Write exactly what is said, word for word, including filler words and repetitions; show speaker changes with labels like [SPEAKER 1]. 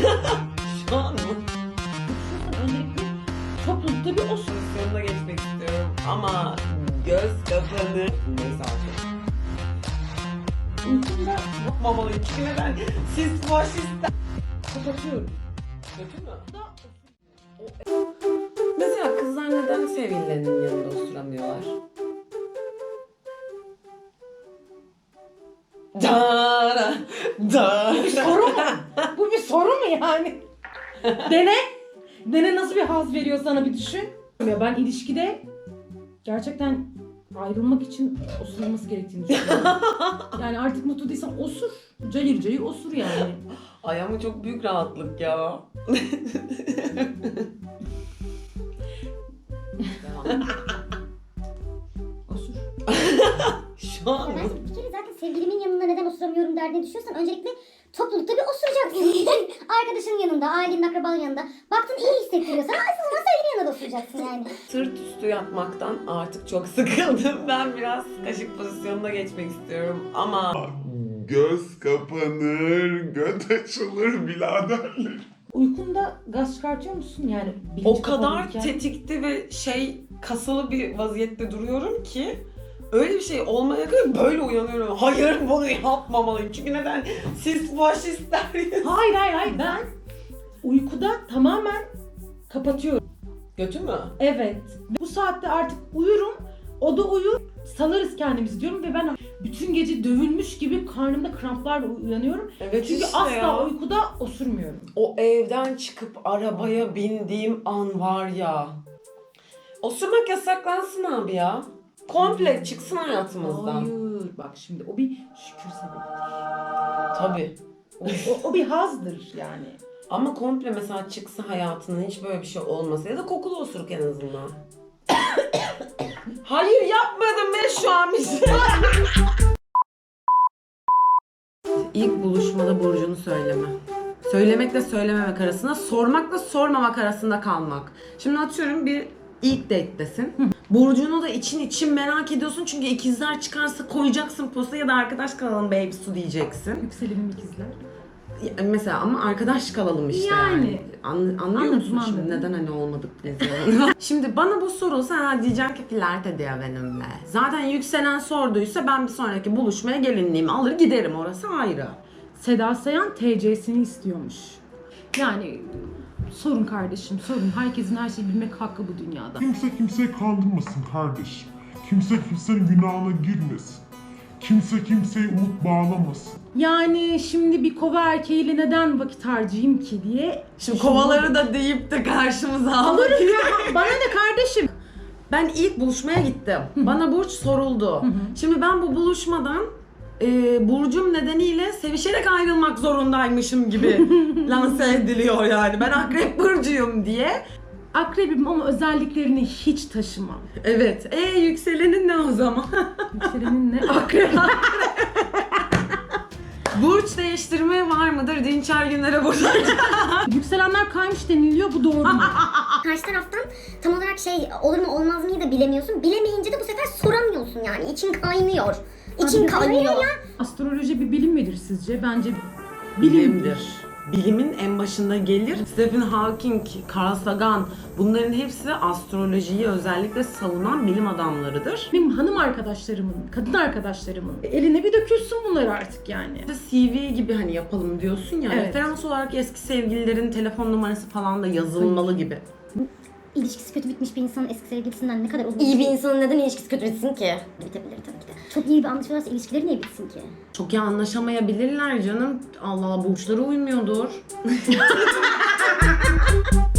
[SPEAKER 1] Şu an mı?
[SPEAKER 2] Öncelikle toplulukta bir o
[SPEAKER 1] Pozisyonuna geçmek istiyorum ama göz kapanır. Neyse artık.
[SPEAKER 2] uykumda
[SPEAKER 1] Yapmamalıyım çünkü neden? Siz faşistler.
[SPEAKER 2] kapatıyorum.
[SPEAKER 1] Kötü mü? Mesela kızlar neden sevgililerinin yanında oturamıyorlar? Dara, dara.
[SPEAKER 2] Soru mu? Bu bir soru mu yani? Dene. Dene nasıl bir haz veriyor sana bir düşün. Ya ben ilişkide gerçekten ayrılmak için osurulması gerektiğini düşünüyorum. Yani artık mutlu değilsen osur. Cayır cayır osur yani.
[SPEAKER 1] Ay ama çok büyük rahatlık ya.
[SPEAKER 2] Osur.
[SPEAKER 1] Şu an
[SPEAKER 3] Ya ben bir kere zaten sevgilimin yanında neden osuramıyorum derdine düşüyorsan öncelikle toplulukta bir osuracaksın. Arkadaşının yanında, ailenin, akrabanın yanında. Baktın iyi hissettiriyorsan o zaman sevgilinin yanında da osuracaksın yani.
[SPEAKER 1] sırt üstü yatmaktan artık çok sıkıldım. Ben biraz kaşık pozisyonuna geçmek istiyorum ama
[SPEAKER 4] Göz kapanır, göt açılır biraderler.
[SPEAKER 2] Uykunda gaz çıkartıyor musun? Yani bilinç
[SPEAKER 1] o kadar
[SPEAKER 2] kapalıyken.
[SPEAKER 1] tetikte ve şey kasılı bir vaziyette duruyorum ki öyle bir şey olmaya kadar böyle uyanıyorum. Hayır bunu yapmamalıyım. Çünkü neden? Siz faşistler.
[SPEAKER 2] Hayır hayır hayır ben uykuda tamamen kapatıyorum.
[SPEAKER 1] Kötü mü?
[SPEAKER 2] Evet. Bu saatte artık uyurum. O da uyur. Salarız kendimizi diyorum ve ben bütün gece dövülmüş gibi karnımda kramplarla uyanıyorum.
[SPEAKER 1] Evet
[SPEAKER 2] Çünkü
[SPEAKER 1] işte
[SPEAKER 2] asla
[SPEAKER 1] ya.
[SPEAKER 2] uykuda osurmuyorum.
[SPEAKER 1] O evden çıkıp arabaya bindiğim an var ya. Osurmak yasaklansın abi ya. Komple çıksın hayatımızdan.
[SPEAKER 2] Hayır. Bak şimdi o bir şükür sebebidir.
[SPEAKER 1] Tabii.
[SPEAKER 2] O, o, o bir hazdır yani.
[SPEAKER 1] Ama komple mesela çıksa hayatında hiç böyle bir şey olmasa ya da kokulu osuruk en azından. Hayır yapmadım ben şu an bir şey. İlk buluşmada burcunu söyleme. Söylemekle söylememek arasında, sormakla sormamak arasında kalmak. Şimdi atıyorum bir ilk date'desin. Burcunu da için için merak ediyorsun çünkü ikizler çıkarsa koyacaksın posta ya da arkadaş kalalım baby su diyeceksin.
[SPEAKER 2] Yükselenim ikizler.
[SPEAKER 1] Ya mesela ama arkadaş kalalım işte yani.
[SPEAKER 2] Yani.
[SPEAKER 1] An, anlıyor
[SPEAKER 2] Anladım,
[SPEAKER 1] musun şimdi
[SPEAKER 2] anladım.
[SPEAKER 1] neden hani olmadık biz yani? Şimdi bana bu sorulsa ha diyeceğim ki flört ediyor benimle. Zaten yükselen sorduysa ben bir sonraki buluşmaya gelinliğimi alır giderim, orası ayrı.
[SPEAKER 2] Seda Sayan T C'sini istiyormuş. Yani sorun kardeşim sorun. Herkesin her şeyi bilmek hakkı bu dünyada.
[SPEAKER 4] Kimse kimseyi kandırmasın kardeşim. Kimse kimsenin günahına girmesin. Kimse kimseyi umut bağlamasın.
[SPEAKER 2] Yani şimdi bir kova erkeğiyle neden vakit harcayayım ki diye.
[SPEAKER 1] Şimdi kovaları da deyip de karşımıza alır.
[SPEAKER 2] Bana ne kardeşim?
[SPEAKER 1] Ben ilk buluşmaya gittim. Bana burç soruldu. Şimdi ben bu buluşmadan e, burcum nedeniyle sevişerek ayrılmak zorundaymışım gibi lanse ediliyor yani. Ben akrep burcuyum diye.
[SPEAKER 2] Akrebim ama özelliklerini hiç taşımam.
[SPEAKER 1] Evet. E yükselenin ne o zaman?
[SPEAKER 2] Yükselenin ne? Akrep.
[SPEAKER 1] Burç değiştirme var mıdır? Dinçer Günler'e burada.
[SPEAKER 2] Yükselenler kaymış deniliyor, bu doğru mu?
[SPEAKER 3] Karşı taraftan tam olarak şey olur mu olmaz mıyı da bilemiyorsun. Bilemeyince de bu sefer soramıyorsun yani. İçin kaynıyor. İçin
[SPEAKER 2] Abi,
[SPEAKER 3] kaynıyor ya.
[SPEAKER 2] Astroloji bir bilim midir sizce? Bence
[SPEAKER 1] Bilimdir. Bilimin en başında gelir. Stephen Hawking, Carl Sagan, bunların hepsi astrolojiyi özellikle savunan bilim adamlarıdır.
[SPEAKER 2] Benim hanım arkadaşlarımın, kadın arkadaşlarımın eline bir dökülsün bunlar artık yani.
[SPEAKER 1] C V gibi hani yapalım diyorsun ya,
[SPEAKER 2] Evet.
[SPEAKER 1] referans olarak eski sevgililerin telefon numarası falan da yazılmalı gibi.
[SPEAKER 3] İlişkisi kötü bitmiş bir insanın eski sevgilisinden ne kadar uzun İyi bir insanın neden ilişkisi kötü bitsin ki? Bitebilir tabii ki de. Çok iyi bir anlaşıyorlarsa ilişkileri niye bitsin ki?
[SPEAKER 1] Çok iyi anlaşamayabilirler canım. Allah Allah burçları uymuyordur.